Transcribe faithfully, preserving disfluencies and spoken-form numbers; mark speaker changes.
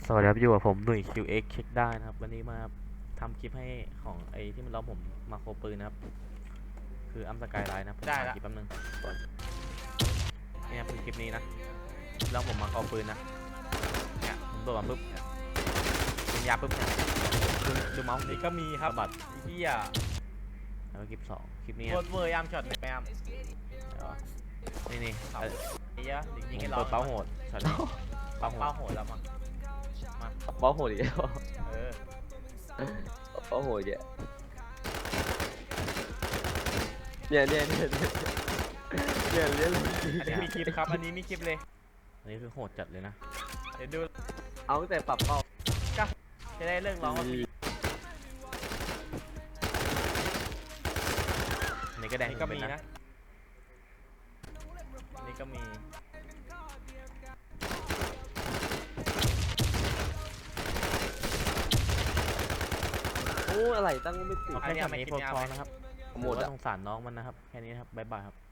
Speaker 1: สวัสดีครับอยู่กับผมหนุ่ย คิว เอ็กซ์ เช็คได้นะครับวันนี้มาทำคลิปให้ของไอที่มันล้อมผมมาโครปืนนะครับคืออัมสกายไลน์นะผม
Speaker 2: ได้
Speaker 1: ถ่าย
Speaker 2: ละ
Speaker 1: คลิปแป๊บนึงเนี่ยคือคลิปนี้นะล้อมผมมาโครปืนนะเนี่ยผมโดดมาปุ๊บเนี่ยเป็นยาปุ๊บเนี่ยดูดูเมาส์ดิ
Speaker 2: นี่ก็มีครับ
Speaker 1: สะบัด
Speaker 2: ไอ้เฮีย
Speaker 1: แล้วก็คลิปสองคลิปนี้
Speaker 2: โคตรเวอร์ยามช็อตเลยแมม
Speaker 1: นี่นี่
Speaker 2: ครับ
Speaker 1: เอ่อ
Speaker 2: ไอ้เฮีย
Speaker 1: ผ
Speaker 2: ยิง
Speaker 1: ม
Speaker 2: ให้
Speaker 1: เปิ
Speaker 2: ร้อ
Speaker 1: ด
Speaker 2: ง
Speaker 1: เป้าโหดช็อตนี้เป้าโห
Speaker 2: เป้า
Speaker 1: ด
Speaker 2: โหดแล้วมั้งมา
Speaker 3: เป้าโหดอีกแล้ว
Speaker 2: เออ
Speaker 3: เป้าโหดเนี่ยเนี่ยเนี่ยเนี่ยเนี่ยเนี่ย
Speaker 2: อันนี้มีคลิปครับ อันนี้มีคลิปเลย
Speaker 1: อันนี้คือโหดจัดเลยนะ
Speaker 2: เดี๋ยวดู
Speaker 3: เอาตั้งแต่ปรับเป้า
Speaker 2: จะได้เรื่องร้องว่าพี่
Speaker 1: อันนี้ก็แดง
Speaker 2: นี่ก็
Speaker 1: เป็
Speaker 2: มี
Speaker 1: นนะ
Speaker 2: นะนี่ก็มี
Speaker 3: โอ้อะไรตั้งไม่ติด
Speaker 1: เอาแค่ช็อตนี้พอๆนะครับ
Speaker 3: หมด
Speaker 1: ว่า
Speaker 3: อ่ะ
Speaker 1: สงสารน้องมันนะครับแค่นี้นะครับบ๊ายบายครับ